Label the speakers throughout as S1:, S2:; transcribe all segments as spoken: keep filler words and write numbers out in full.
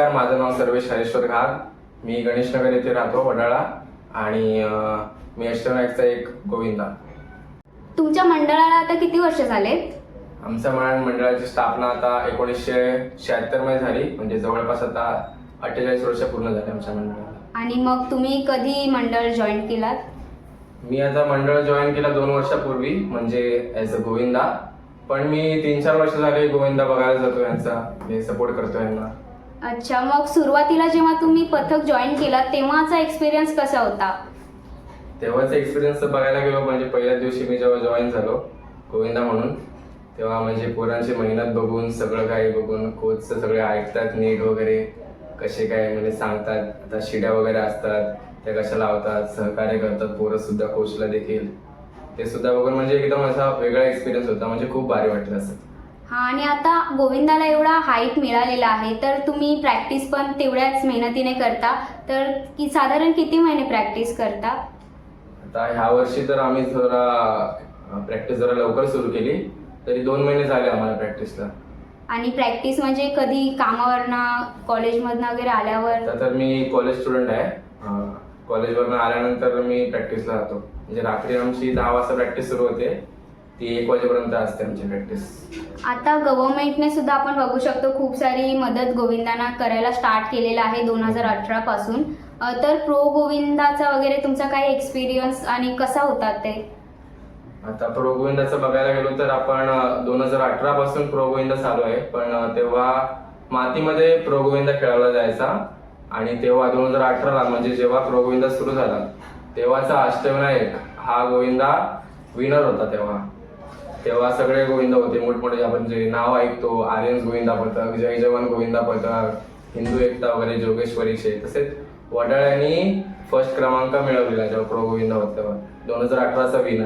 S1: नमस्कार, माझं नाव सर्वेश हरेश्वर घाग. मी गणेशनगर येथे राहतो, वडाळा. आणि मी अष्टविनायकचा एक गोविंदा.
S2: तुमच्या मंडळाला आता किती वर्ष झालेत?
S1: आमच्या मंडळाची स्थापना आता एकोणीसशे शहात्तर मध्ये झाली, म्हणजे जवळपास आता अठ्ठेचाळीस वर्ष पूर्ण झाले आमच्या मंडळाला.
S2: आणि मग तुम्ही कधी मंडळ जॉईन केलात?
S1: मी आता मंडळ जॉईन केला दोन वर्षापूर्वी, म्हणजे ॲज अ गोविंदा. पण मी तीन चार वर्ष झाले गोविंदा बघायला जातो, यांचा मी सपोर्ट करतो यांना.
S2: अच्छा, मग सुरुवातीला जेव्हा तुम्ही पथक जॉईन केलात तेव्हाचा एक्सपिरियन्स कसा होता?
S1: तेव्हाचा एक्सपिरियन्स बघायला गेलो म्हणजे पहिल्याच दिवशी मी जेव्हा जॉईन झालो गोविंदा म्हणून, तेव्हा म्हणजे पोरांची मेहनत बघून, सगळं काही बघून, कोचचं सगळे ऐकतात नीट वगैरे, कसे काय म्हणजे सांगतात. आता शिड्या वगैरे असतात त्या कशा लावतात, सहकार्य करतात पोरं सुद्धा कोचला देखील. ते सुद्धा बघून म्हणजे एकदम असा वेगळा एक्सपिरियन्स होता, म्हणजे खूप भारी वाटलं असं.
S2: हा, आणि आता गोविंदाला एवढा हाईट मिळालेला आहे, तर तुम्ही प्रॅक्टिस पण तेवढ्याच मेहनतीने करता, तर की साधारण किती महिने प्रॅक्टिस करता?
S1: आता ह्या वर्षी तर आम्ही जरा प्रॅक्टिस जरा लवकर सुरू केली, तरी दोन महिने झाले आम्हाला प्रॅक्टिसला.
S2: आणि प्रॅक्टिस म्हणजे कधी कामावरनं, कॉलेजमधनं वगैरे आल्यावर?
S1: तर मी कॉलेज स्टुडंट आहे. कॉलेजवरनं आल्यानंतर मी प्रॅक्टिसला राहतो, म्हणजे रात्री आमची दहा वाजता प्रॅक्टिस सुरू होते, ती एक वाजेपर्यंत असते आमची प्रॅक्टिस.
S2: आता गव्हर्नमेंटने सुद्धा आपण बघू शकतो खूप सारी मदत गोविंदांना करायला स्टार्ट केलेलं आहे दोन हजार अठरा पासून. तर प्रो गोविंदाचा वगैरे तुमचा काय एक्सपिरियन्स आणि कसा होता ते?
S1: आता प्रो गोविंदाचं बघायला गेलो तर आपण दोन हजार अठरा पासून प्रो गोविंदा चालू आहे. पण तेव्हा मातीमध्ये प्रो गोविंदा खेळवला जायचा, आणि तेव्हा दोन हजार अठराला म्हणजे जेव्हा प्रो गोविंदा सुरू झाला तेव्हाचा अष्टविनायक हा गोविंदा विनर होता. तेव्हा तेव्हा सगळे गोविंदा होते मोठमोठे, आपण जे नाव ऐकतो, आर्यन्स गोविंदा पथक, जय जवान गोविंदा पथक, हिंदू एकता वगैरे, जोगेश्वरीचे. तसेच वडाळ्यांनी फर्स्ट क्रमांक मिळवलेला जेव्हा प्रो गोविंदा होता तेव्हा, दोन हजार अठराचा विनर.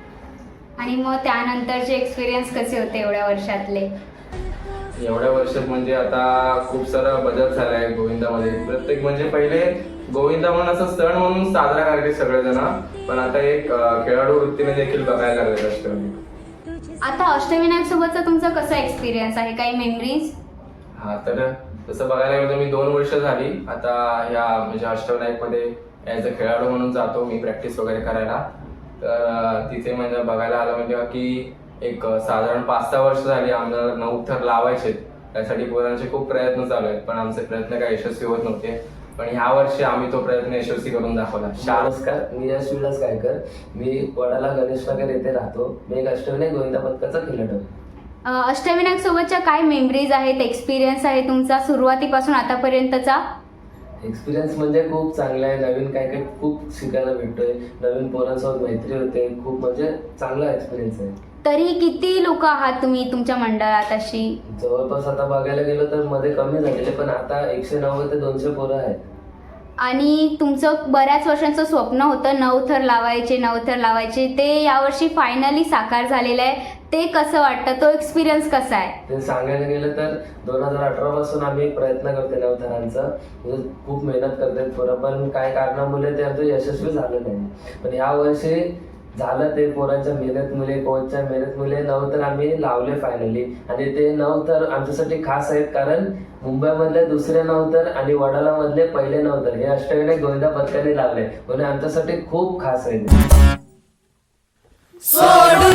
S2: आणि मग त्यानंतरचे एक्सपिरियन्स कसे होते एवढ्या वर्षातले?
S1: एवढ्या वर्षात म्हणजे आता खूप सारा बदल झाला आहे गोविंदामध्ये. प्रत्येक म्हणजे पहिले गोविंदा म्हणून असं सण म्हणून साजरा करायचे सगळेजण, पण आता एक खेळाडू वृत्तीने देखील बघायला लागले अष्टविनायक.
S2: आता अष्टविनायक सोबतचा तुमचा कसा एक्सपिरियन्स आहे, काही मेमरीज?
S1: हा, तर तसं बघायला गेलं तर मी दोन वर्ष झाली आता ह्या म्हणजे अष्टविनायक मध्ये ॲज अ खेळाडू म्हणून जातो मी प्रॅक्टिस वगैरे करायला. तर तिथे म्हणजे बघायला आलं म्हणजे की एक साधारण पाच सहा वर्ष झाली आम्हाला नऊ थर लावायचे. त्यासाठी पोरांचे खूप प्रयत्न चालू आहेत, पण आमचे प्रयत्न काही यशस्वी होत नव्हते. पण ह्या वर्षी आम्ही तो प्रयत्न यशस्वी करून दाखवला.
S3: नमस्कार, मी यश विलास गायकर. मी वडाला गणेशनगर येथे राहतो. मी एक अष्टविनायक गोविंदा पथकाचा खेळाडू.
S2: अष्टविनायक सोबतच्या काय मेमरीज आहेत, एक्सपिरियन्स आहे तुमचा सुरुवातीपासून आतापर्यंतचा?
S3: एक्सपिरियन्स म्हणजे खूप चांगला आहे. नवीन काय काय खूप शिकायला भेटतोय, नवीन पोरांसोबत मैत्री होते, खूप म्हणजे चांगला एक्सपिरियन्स आहे.
S2: तरी किती लोक आहात तुम्ही तुमच्या मंडळात? अशी
S3: जवळपास आता बघायला गेलं तर मध्ये कमी झालेले, पण आता एकशे नव्वद ते दोनशे पोरं आहेत.
S2: आणि तुमचं बऱ्याच वर्षांचं स्वप्न होतं नऊ थर लावायचे नऊ थर लावायचे, ते यावर्षी फायनली साकार झालेलं आहे. ते कसं वाटतं, तो एक्सपिरियन्स कसा आहे?
S3: ते सांगायला गेलं तर दोन हजार अठरा पासून आम्ही प्रयत्न करतोय नऊ थरांचा, म्हणजे खूप मेहनत करतात पोरं, पण काय कारणामुळे ते आमचं यशस्वी झालं नाही. पण या वर्षी झालं ते पोरांच्या मेहनतमुळे, कोचच्या मेहनतमुळे नऊ तर आम्ही लावले फायनली. आणि ते नऊ तर आमच्यासाठी खास आहेत, कारण मुंबईमधले दुसरे नऊ तर आणि वडाला मधले पहिले नऊ तर हे अष्टविनायक गोविंदा पथकाने लावले, म्हणून आमच्यासाठी खूप खास आहे.